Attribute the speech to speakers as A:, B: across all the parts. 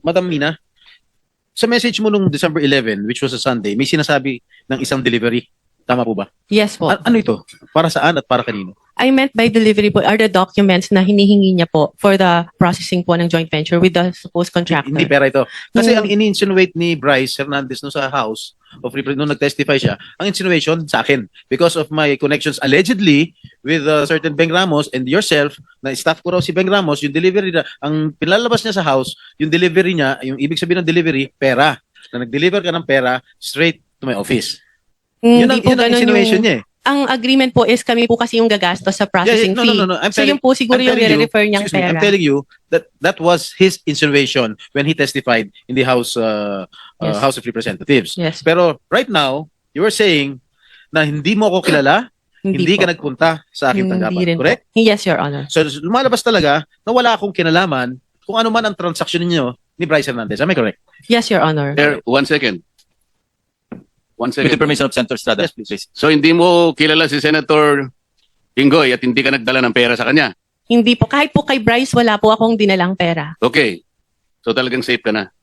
A: Madam Mina, sa message mo nung December 11, which was a Sunday, may sinasabi ng isang delivery. Tama po ba?
B: Yes po.
A: Ano ito? Para saan at para kanino?
B: I meant by delivery po are the documents na hinihingi niya po for the processing po ng joint venture with the supposed contractor.
A: Hindi pera ito. Kasi ang
B: Hmm.
A: ini-insinuate ni Bryce Hernandez no sa House of Representatives, nung nag-testify siya, ang insinuation sa akin, because of my connections allegedly with certain Beng Ramos and yourself, na staff ko raw si Beng Ramos, yung delivery na, ang pinalabas niya sa House, yung delivery niya, yung ibig sabihin ng delivery, pera. Na nag-deliver ka ng pera straight to my office. Yun
B: Hindi
A: ang,
B: po
A: yun ang
B: ganun
A: insinuation
B: yung,
A: niya eh.
B: ang agreement po is kami po kasi yung gagastos sa processing
A: No.
B: fee.
A: I'm
B: So
A: telling-
B: yun po siguro
A: I'm
B: yung
A: telling you-
B: nire-refer niyang
A: excuse me,
B: pera.
A: I'm telling you that that was his insinuation when he testified in the
B: Yes.
A: House of Representatives.
B: Yes.
A: Pero right now, you are saying na hindi mo ako kilala, hindi
B: po.
A: ka nagpunta sa aking
B: Hindi
A: tanggapan.
B: rin po.
A: Correct?
B: Yes, Your Honor.
A: So lumalabas talaga na wala akong kinalaman kung ano man ang transaksyon ninyo ni Bryce Hernandez. Am I correct?
B: Yes, Your Honor.
C: Sir, 1 second. 1
D: With the
C: second.
D: permission of Senator Estrada,
A: Yes, please.
D: please.
C: So hindi mo kilala si Senator Jinggoy at hindi ka nagdala ng pera sa kanya.
B: Hindi po. Kahit po kay Bryce, wala po akong dinalang pera.
C: Okay. So talagang safe ka na.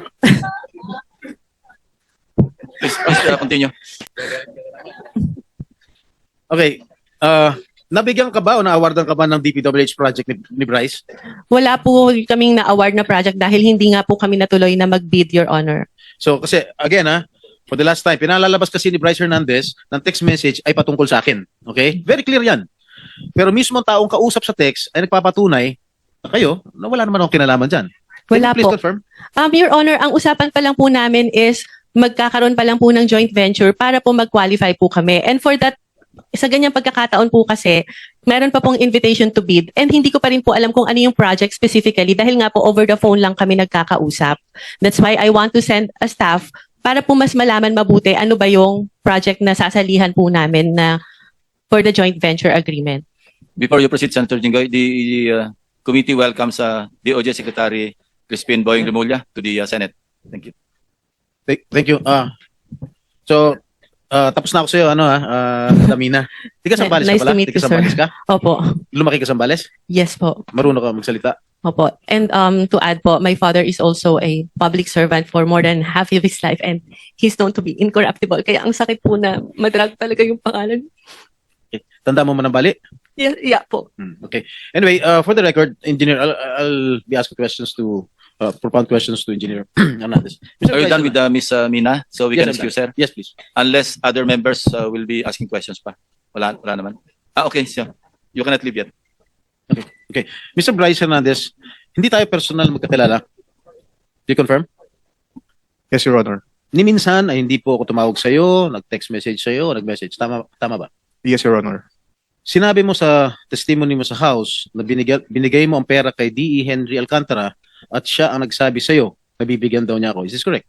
D: Please continue.
A: Okay. Nabigyan ka ba o na-awardan ka ba ng DPWH project ni Bryce?
B: Wala po kaming na-award na project dahil hindi nga po kami natuloy na mag-bid, Your Honor.
A: So kasi again for the last time, pinalalabas kasi ni Bryce Hernandez ng text message ay patungkol sa akin. Okay? Very clear yan. Pero mismo ang taong kausap sa text ay nagpapatunay na kayo na wala naman akong kinalaman dyan. Can
B: Wala
A: you please
B: po.
A: confirm?
B: Your Honor, ang usapan pa lang po namin is magkakaroon pa lang po ng joint venture para po mag-qualify po kami. And for that, sa ganyang pagkakataon po kasi, meron pa pong invitation to bid and hindi ko pa rin po alam kung ano yung project specifically dahil nga po over the phone lang kami nagkakausap. That's why I want to send a staff para po mas malaman mabuti ano ba yung project na sasalihan po namin na for the joint venture agreement.
D: Before you proceed, Senator Jinggoy, the committee welcomes DOJ Secretary Crispin Boying Remulla to the Senate. Thank you.
A: Thank you. Tapos na ako sa'yo, Damina. Di ka Sambales
B: Nice
A: ka pala?
B: to meet
A: Di ka
B: you, sir.
A: Sambales ka?
B: Opo.
A: Lumaki ka Sambales?
B: Yes po.
A: Marunong ka magsalita?
B: Opo. And to add po, my father is also a public servant for more than half of his life and he's known to be incorruptible. Kaya ang sakit po na madrag talaga yung pangalan.
A: Okay. Tanda mo man ang bali?
B: Yeah po.
A: Okay. Anyway, for the record, Engineer, I'll be asking questions to propound questions to Engineer Hernandez.
D: Are you done with Ms. Mina? So we
A: Yes,
D: can
A: I'm
D: excuse
A: done.
D: her?
A: Yes, please.
D: Unless other members will be asking questions pa. Wala naman. Okay, so you cannot leave yet.
A: Mr. Bryce Hernandez, hindi tayo personal magkakilala. Do you confirm?
E: Yes, Your Honor.
A: Ni minsan ay hindi po ako tumawag sa iyo, nag-text message sa iyo, nag-message. Tama ba?
E: Yes, Your Honor.
A: Sinabi mo sa testimony mo sa House na binigay mo ang pera kay D.E. Henry Alcantara at siya ang nagsabi sa iyo na bibigyan daw niya ako. Is this correct?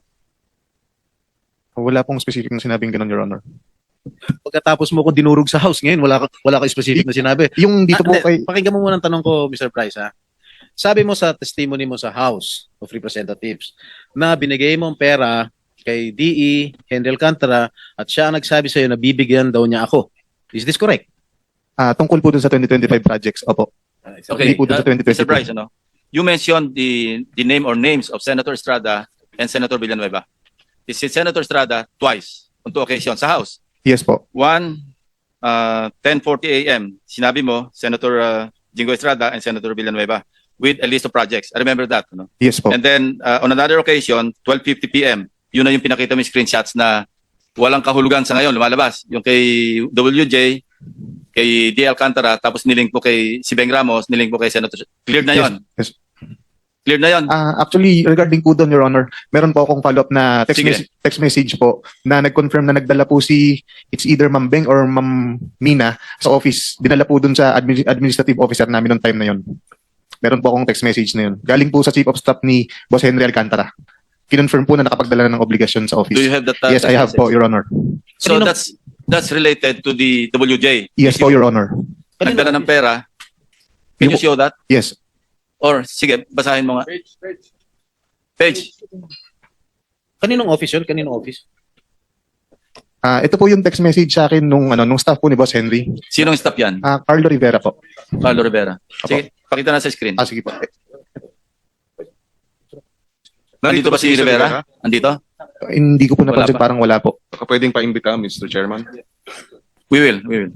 E: Wala pong specific na sinabing ganun, Your Honor.
A: Pagkatapos mo ko dinurog sa House ngayon, wala ka specific na sinabi.
E: Yung dito po
A: Hindi,
E: kay...
A: Pakinggan mo muna ang tanong ko, Mr. Bryce, ha? Sabi mo sa testimony mo sa House of Representatives na binigay mo ang pera kay D.E. Henry Alcantara at siya ang nagsabi sa iyo na bibigyan daw niya ako. Is this correct?
E: tungkol po dun sa 2025 projects. Opo.
D: Okay,
E: Hindi po dun sa 2022.
D: Mr. Bryce, you mentioned the name or names of Senator Estrada and Senator Villanueva. This is Senator Estrada twice on two occasions sa House.
E: Yes po.
D: One, 10:40 a.m. Sinabi mo, Senator Jinggoy Estrada and Senator Villanueva with a list of projects. I remember that.
E: Yes po.
D: And then on another occasion, 12:50 p.m., yun na yung pinakita mo yung screenshots na walang kahulugan sa ngayon, lumalabas. Yung kay WJ, kay D. Alcantara, tapos nilink po kay si Beng Ramos, nilink po kay Senator. Clear na yon.
E: Yes.
D: Clear na yon.
E: Actually, regarding po doon, Your Honor, meron po akong follow-up na
D: Sige.
E: text message po na nag-confirm na nagdala po it's either Ma'am Beng or Ma'am Mina sa office. Dinala po doon sa administrative officer namin noong time na yon. Meron po akong text message na yun. Galing po sa Chief of Staff ni Boss Henry Alcantara. Kinonfirm po na nakapagdala ng obligasyon sa office.
D: Do you have that?
E: Yes, I have po, Your Honor.
D: So
A: Kanino-
D: that's related to the WJ.
E: Yes po, Your Honor.
D: Nagdala ng pera. Can you show that?
E: Yes.
D: Or sige, basahin mo nga. Page.
A: Kaninong office yun? Kaninong office?
E: Ito po yung text message sa akin nung staff po ni Boss Henry.
D: Sinong stop yan?
E: Carlo Rivera po.
D: Carlo Rivera. Sige, pakita na sa screen.
E: Sige po.
D: Andito ba si Rivera? Andito?
E: Hindi ko po
D: Wala
E: napansin,
D: pa.
E: parang wala po.
F: Baka pwedeng paimbita, Mr. Chairman.
D: We will.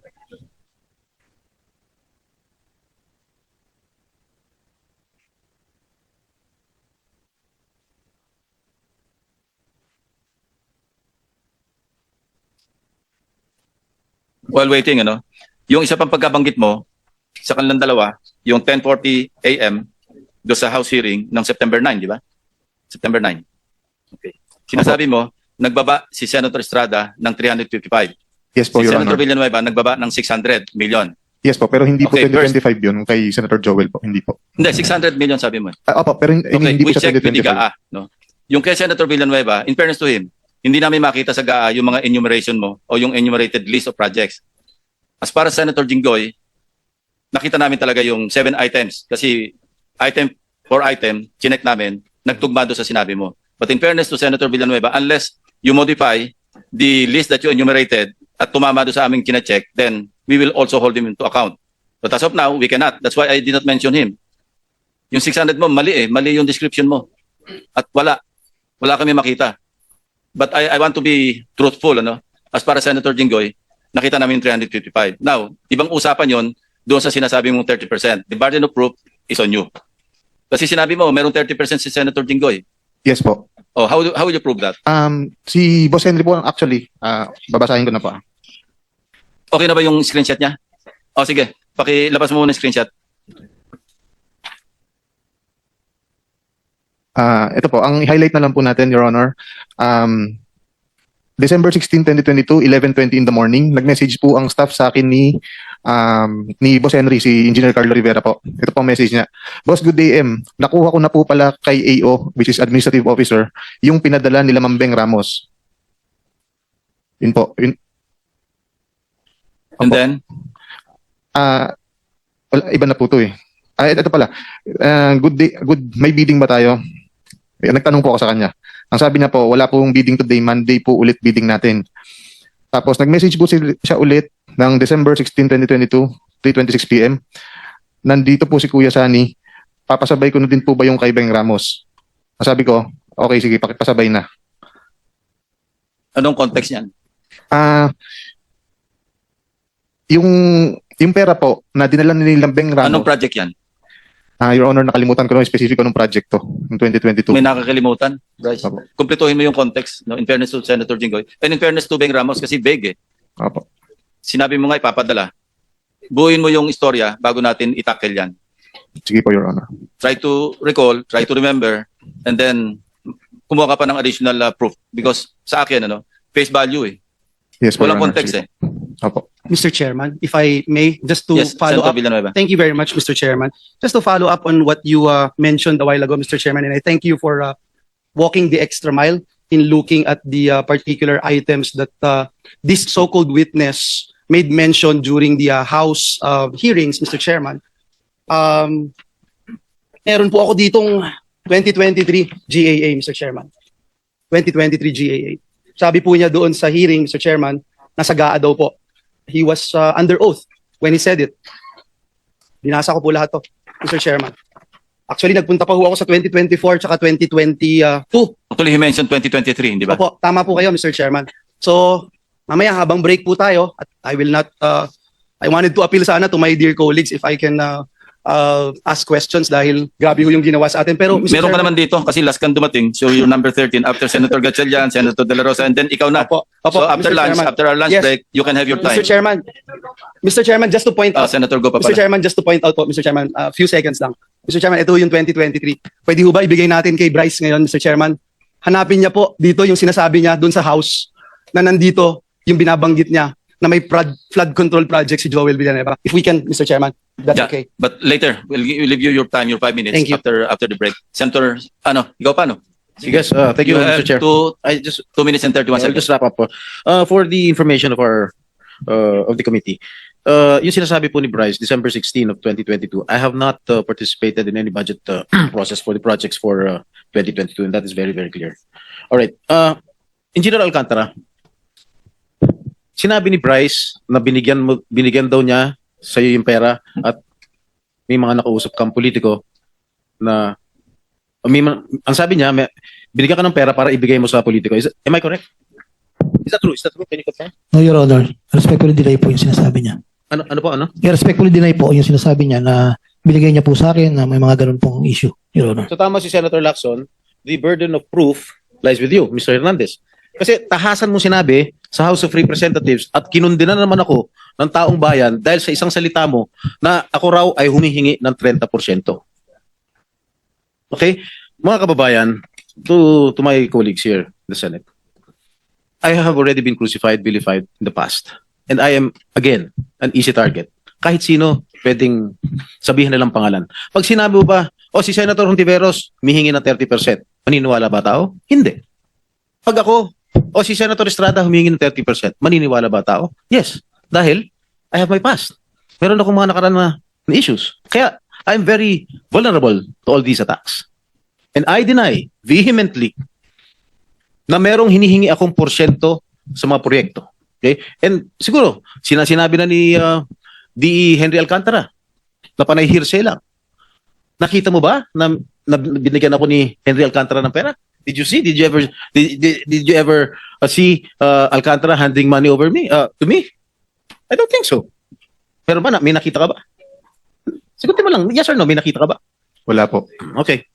D: While waiting, yung isa pang pagkabanggit mo, sa kanilang dalawa, yung 10:40 a.m. do sa House hearing ng September 9, di ba? September 9. Okay. Sinasabi mo, nagbaba si Senator Estrada ng 355.
E: Yes po,
D: Si
E: Your
D: Senator
E: Honor.
D: Villanueva nagbaba ng 600 million.
E: Yes po, pero hindi po
D: Okay,
E: 2025 yun kay Senator Joel po. Hindi po.
D: Hindi, 600 million sabi mo.
E: Opo, pero
D: Okay,
E: hindi
D: we
E: po siya
D: check with the
E: 2025.
D: GAA. No? Yung kay Senator Villanueva, in fairness to him, hindi namin makita sa GAA yung mga enumeration mo o yung enumerated list of projects. As para sa Senator Jinggoy, nakita namin talaga yung 7 items kasi item for item, chinek namin, nagtugma doon sa sinabi mo. But in fairness to Senator Villanueva, unless you modify the list that you enumerated at tumama doon sa aming chinecheck, then we will also hold him into account. But as of now, we cannot. That's why I did not mention him. Yung 600 mo, mali mali yung description mo. At wala kami makita. But I want to be truthful, As para Senator Jinggoy, nakita namin 355. Now, ibang usapan yon doon sa sinasabi mong 30%. The burden of proof is on you. Kasi sinabi mo, merong 30% si Senator Jinggoy.
E: Yes po.
D: Oh, how will you prove that?
E: Si Boss Henry po, actually, babasahin ko na po.
D: Okay na ba yung screenshot niya? Oh, sige. Pakilabas mo muna yung screenshot.
E: Ito po, ang highlight na lang po natin, Your Honor. December 16, 2022, 11:20 in the morning, nag-message po ang staff sa akin ni Boss Henry, si Engineer Carlo Rivera po. Ito po ang message niya. Boss, good day, M. Nakuha ko na po pala kay AO, which is Administrative Officer, yung pinadala nila Mambeng Ramos. Yun po. Yun.
D: And then,
E: Wala, iba na po to eh. Ito pala. Good day, may bidding ba tayo? Nagtanong po ako sa kanya. Ang sabi niya po, wala pong bidding today, Monday po ulit bidding natin. Tapos nag-message po siya ulit ng December 16, 2022, 3:26 p.m. Nandito po si Kuya Sani. Papasabay ko na din po ba yung kay Beng Ramos? Sabi ko, okay, sige, pakipasabay na.
D: anong context niyan?
E: Yung pera po na dinala nila Beng Ramos.
D: Anong project yan?
E: Your Honor, nakalimutan ko na yung specific anong project to, yung 2022.
D: May nakakalimutan, Bryce.
E: Opo.
D: Kumpletuhin mo yung context, in fairness to Senator Jinggoy. And in fairness to Beng Ramos, kasi vague eh.
E: Opo.
D: Sinabi mo nga ipapadala. Buuin mo yung istorya bago natin itackle yan.
E: Sige po, Your Honor.
D: Try to recall, try to remember, and then kumuha ka pa ng additional proof. Because sa akin, face value eh.
E: Yes po, Your
D: Walang
E: Honor.
D: context
E: Sige.
D: eh.
E: Opo.
G: Mr. Chairman, if I may, just to
D: Yes,
G: follow
D: Senator
G: up.
D: Villanueva.
G: Thank you very much, Mr. Chairman. Just to follow up on what you mentioned a while ago, Mr. Chairman, and I thank you for walking the extra mile in looking at the particular items that this so-called witness made mention during the House hearings, Mr. Chairman. Meron po ako ditong 2023 GAA, Mr. Chairman. 2023 GAA. Sabi po niya doon sa hearing, Mr. Chairman, nasa GAA daw po. He was under oath when he said it. Binasa ko po lahat to, Mr. Chairman. Actually, nagpunta pa ho ako sa 2024 tsaka 2022.
D: Actually, he mentioned 2023, di ba?
G: Opo, tama po kayo, Mr. Chairman. So, mamaya habang break po tayo, at I will not, I wanted to appeal sana to my dear colleagues if I can ask questions dahil grabe ho yung ginawa sa atin. Pero, Mr.
D: Meron ka
G: Chairman,
D: naman dito kasi last kang dumating. So you're number 13 after Senator Gatchalian, Senator De La Rosa, and then ikaw na.
G: Opo,
D: So after
G: Mr.
D: lunch,
G: Chairman.
D: after our lunch
G: Yes.
D: break, you can have your time.
G: Mr. Chairman, just to point out,
D: Senator, go pa
G: Mr.
D: pala.
G: Chairman, just to point out po, Mr. Chairman, a few seconds lang. Mr. Chairman, ito yung 2023. Pwede ho ba ibigay natin kay Bryce ngayon, Mr. Chairman? Hanapin niya po dito yung sinasabi niya doon sa House na nandito yung binabanggit niya na may flood control project si Joel Villanueva. If we can, Mr. Chairman, that's
D: Yeah,
G: okay.
D: But later, we'll leave you your time, your 5 minutes
G: Thank you.
D: after the break. Senator, ikaw pa, no?
A: Yes, thank you,
D: have
A: Mr. Chair.
D: two 2 minutes and 31
A: I'll
D: seconds.
A: just wrap up po. For the information of our of the committee, yung sinasabi po ni Bryce, December 16 of 2022, I have not participated in any budget process for the projects for 2022, and that is very, very clear. All right. Engineer Alcantara, sinabi ni Bryce na binigyan daw niya sa iyo yung pera at may mga nakausap kang politiko na Ang sabi niya, binigyan ka ng pera para ibigay mo sa politiko. Am I correct? Is that true? Is that true? Can you confirm?
H: No, Your Honor. Respectfully deny po yung sinasabi niya.
A: Ano po, ano?
H: Respectfully deny po yung sinasabi niya na binigay niya po sa akin na may mga ganun pong issue, Your Honor.
A: So tama si Senator Lacson, the burden of proof lies with you, Mr. Hernandez. Kasi tahasan mo sinabi sa House of Representatives at kinundina naman ako ng taong bayan dahil sa isang salita mo na ako raw ay humihingi ng 30%. Okay? Mga kababayan, to my colleagues here in the Senate, I have already been crucified, vilified in the past. And I am, again, an easy target. Kahit sino, pwedeng sabihin nilang pangalan. Pag sinabi mo ba, si Senator Hontiveros, humihingi ng 30%, maniniwala ba tao? Hindi. Pag ako, si Senator Estrada, humihingi ng 30%, maniniwala ba tao? Yes. Dahil, I have my past. Meron akong mga nakaraan na issues. Kaya, I'm very vulnerable to all these attacks. And I deny vehemently na merong hinihingi akong porsyento sa mga proyekto. Okay? And siguro, sinabi na ni D.E. Henry Alcantara na panay hearsay lang. Nakita mo ba na binigyan ako ni Henry Alcantara ng pera? Did you see? Did you ever see Alcantara handing money over me to me? I don't think so. Pero ba may nakita ka ba? Sagutin mo lang, yes or no, may nakita ka ba?
E: Wala po.
A: Okay.